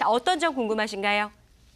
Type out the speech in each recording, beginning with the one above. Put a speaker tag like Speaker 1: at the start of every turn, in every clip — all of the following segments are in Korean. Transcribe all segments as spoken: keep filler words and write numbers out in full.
Speaker 1: 자, 어떤 점 궁금하신가요?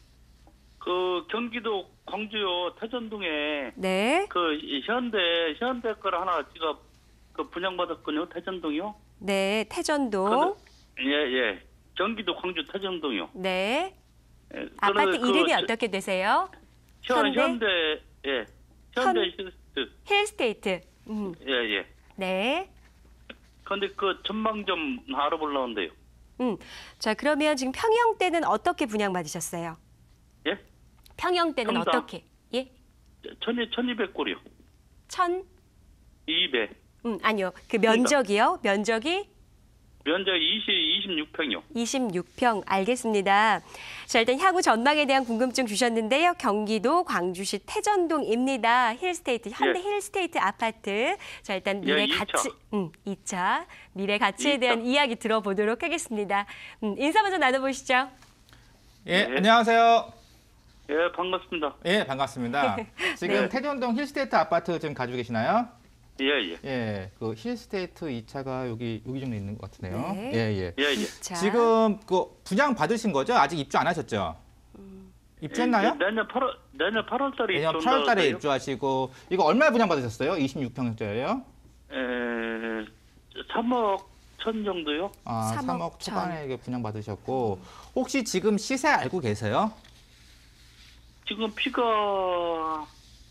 Speaker 2: 그 경기도 광주요 태전동에
Speaker 1: 네.
Speaker 2: 그 현대 현대 걸 하나 제가 그 분양받았거든요. 태전동이요.
Speaker 1: 네, 태전동.
Speaker 2: 예예. 예. 경기도 광주 태전동이요.
Speaker 1: 네.
Speaker 2: 예,
Speaker 1: 아파트
Speaker 2: 그,
Speaker 1: 이름이
Speaker 2: 그,
Speaker 1: 어떻게 되세요?
Speaker 2: 현,
Speaker 1: 현대?
Speaker 2: 현대 예. 현대
Speaker 1: 현-
Speaker 2: 힐스트.
Speaker 1: 힐스테이트. 음.
Speaker 2: 예예.
Speaker 1: 네.
Speaker 2: 근데 그 전망 좀 알아보려는데요.
Speaker 1: 음. 자, 그러면 지금 평형대는 어떻게 분양받으셨어요?
Speaker 2: 예?
Speaker 1: 평형대는
Speaker 2: 평당.
Speaker 1: 어떻게? 예?
Speaker 2: 천이 천이백 골이요.
Speaker 1: 천?
Speaker 2: 이백.
Speaker 1: 음, 아니요. 그 면적이요? 면적이
Speaker 2: 면적 이십 이십육 평이요.
Speaker 1: 이십육 평. 알겠습니다. 자, 일단 향후 전망에 대한 궁금증 주셨는데요. 경기도 광주시 태전동입니다. 힐스테이트, 현대
Speaker 2: 예.
Speaker 1: 힐스테이트 아파트. 자, 일단 미래
Speaker 2: 예, 이 차.
Speaker 1: 가치, 음, 이 차. 미래 가치에
Speaker 2: 이 차.
Speaker 1: 대한 이야기 들어보도록 하겠습니다. 음, 인사 먼저 나눠보시죠.
Speaker 3: 예,
Speaker 2: 네.
Speaker 3: 안녕하세요.
Speaker 2: 예, 반갑습니다.
Speaker 3: 예, 반갑습니다. 지금
Speaker 1: 네.
Speaker 3: 태전동 힐스테이트 아파트 지금 가지고 계시나요?
Speaker 2: 예, 예.
Speaker 3: 예, 그 힐스테이트 이 차가 여기 여기 정도 있는 것 같은데요.
Speaker 1: 네.
Speaker 3: 예, 예.
Speaker 2: 예, 예.
Speaker 1: 자,
Speaker 3: 지금 그 분양 받으신 거죠? 아직 입주 안 하셨죠? 입주했나요?
Speaker 2: 예, 내년 팔월 내년 팔월 달에
Speaker 3: 내년 팔월 달에 입주하시고 이거 얼마에 분양 받으셨어요? 이십육 평짜리예요?
Speaker 2: 에, 삼억 천 정도요?
Speaker 3: 아,
Speaker 1: 삼억
Speaker 3: 삼억
Speaker 1: 천.
Speaker 3: 초반에 이게 분양 받으셨고 혹시 지금 시세 알고 계세요?
Speaker 2: 지금 피가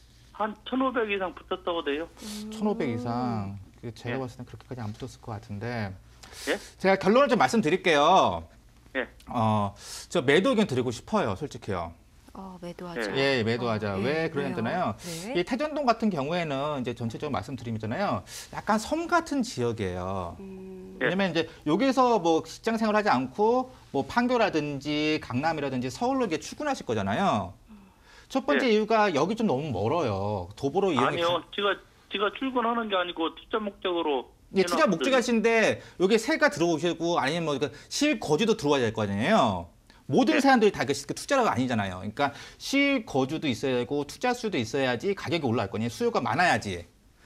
Speaker 2: 한 천오백 이상 붙었다고 돼요.
Speaker 3: 천오백 이상. 그 제가
Speaker 2: 예.
Speaker 3: 봤을 땐 그렇게까지 안 붙었을 것 같은데.
Speaker 2: 예?
Speaker 3: 제가 결론을 좀 말씀드릴게요.
Speaker 2: 예.
Speaker 3: 어, 저 매도 의견 드리고 싶어요, 솔직히요.
Speaker 1: 어, 매도하죠.
Speaker 3: 예, 매도하자.
Speaker 1: 어,
Speaker 3: 왜
Speaker 1: 예,
Speaker 3: 그러냐면요.
Speaker 1: 네.
Speaker 3: 이 태전동 같은 경우에는 이제 전체적으로 말씀드리면요, 약간 섬 같은 지역이에요.
Speaker 1: 음,
Speaker 2: 예.
Speaker 3: 왜냐면 이제 여기서 뭐 직장 생활하지 않고 뭐 판교라든지 강남이라든지 서울로 이제 출근하실 거잖아요. 첫 번째
Speaker 2: 예.
Speaker 3: 이유가 여기 좀 너무 멀어요. 도보로 이용이
Speaker 2: 아니요, 제가 제가 출근하는 게 아니고 투자 목적으로.
Speaker 3: 예, 투자
Speaker 2: 해놨거든요.
Speaker 3: 목적하신데 여기 세가 들어오시고 아니면 뭐 그러니까 실거주도 들어와야 될 거 아니에요. 모든
Speaker 2: 네.
Speaker 3: 사람들이 다 그 투자가 아니잖아요. 그러니까 실거주도 있어야 되고 투자 수도 있어야지 가격이 올라갈 거 아니에요. 수요가 많아야지.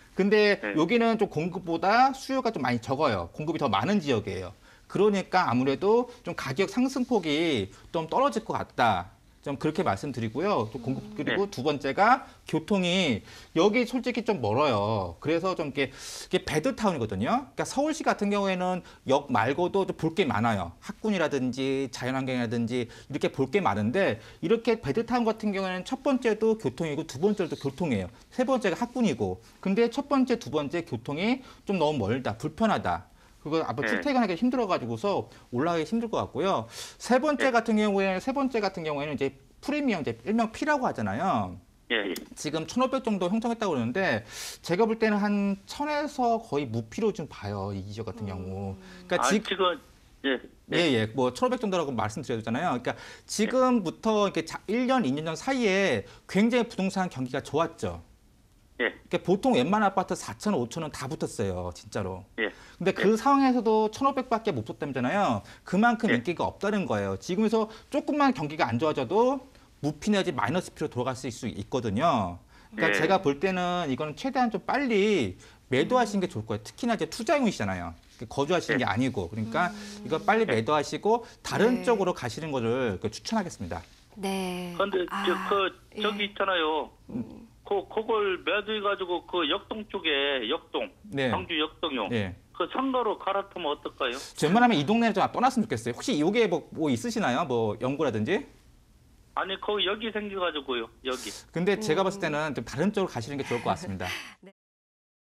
Speaker 3: 근데
Speaker 2: 네.
Speaker 3: 여기는 좀 공급보다 수요가 좀 많이 적어요. 공급이 더 많은 지역이에요. 그러니까 아무래도 좀 가격 상승폭이 좀 떨어질 것 같다. 좀 그렇게 말씀드리고요. 또 공급 그리고
Speaker 2: 네.
Speaker 3: 두 번째가 교통이 여기 솔직히 좀 멀어요. 그래서 좀 이렇게, 이게 배드타운이거든요. 그러니까 서울시 같은 경우에는 역 말고도 볼 게 많아요. 학군이라든지 자연환경이라든지 이렇게 볼 게 많은데 이렇게 배드타운 같은 경우에는 첫 번째도 교통이고 두 번째도 교통이에요. 세 번째가 학군이고. 근데 첫 번째, 두 번째 교통이 좀 너무 멀다, 불편하다. 그거 앞으로
Speaker 2: 네.
Speaker 3: 출퇴근하기 힘들어가지고서 올라가기 힘들 것 같고요. 세 번째
Speaker 2: 네.
Speaker 3: 같은 경우에는 세 번째 같은 경우에는 이제 프리미엄 이제 일명 P라고 하잖아요.
Speaker 2: 예, 예.
Speaker 3: 지금 천오백 정도 형성했다고 그러는데 제가 볼 때는 한 천에서 거의 무피로 좀 봐요. 이 지역 같은 경우. 그러니까
Speaker 2: 아,
Speaker 3: 지,
Speaker 2: 지금 예.
Speaker 3: 예, 예. 뭐 천오백 정도라고 말씀드렸잖아요. 그러니까 지금부터 이렇게 자- 일 년, 이 년 전 사이에 굉장히 부동산 경기가 좋았죠.
Speaker 2: 예.
Speaker 3: 그러니까 보통 웬만한 아파트 사천, 오천은 다 붙었어요. 진짜로.
Speaker 2: 예.
Speaker 3: 근데 그 상황에서도 천오백밖에 못 붙었다잖아요. 그만큼
Speaker 2: 예.
Speaker 3: 인기가 없다는 거예요. 지금에서 조금만 경기가 안 좋아져도 무피 내지 마이너스 피로 돌아갈 수 있거든요. 그러니까
Speaker 2: 예.
Speaker 3: 제가 볼 때는 이거는 최대한 좀 빨리 매도하시는 게 좋을 거예요. 특히나 이제 투자용이시잖아요. 거주하시는 게 아니고. 그러니까 이거 빨리 매도하시고 다른
Speaker 1: 네.
Speaker 3: 쪽으로 가시는 거를 추천하겠습니다.
Speaker 1: 네.
Speaker 2: 근데
Speaker 1: 아,
Speaker 2: 저 그 저기
Speaker 1: 예.
Speaker 2: 있잖아요. 그 그걸 매도해가지고 그 역동 쪽에 역동,
Speaker 3: 네.
Speaker 2: 광주 역동요.
Speaker 3: 예.
Speaker 2: 그 상가로 갈아타면 어떨까요?
Speaker 3: 웬만하면 이 동네를 좀 떠났으면 좋겠어요. 혹시 이게 뭐, 뭐 있으시나요? 뭐 연구라든지?
Speaker 2: 아니 거기 여기 생겨가지고요. 여기.
Speaker 3: 근데 제가 봤을 때는 좀 다른 쪽으로 가시는 게 좋을 것 같습니다.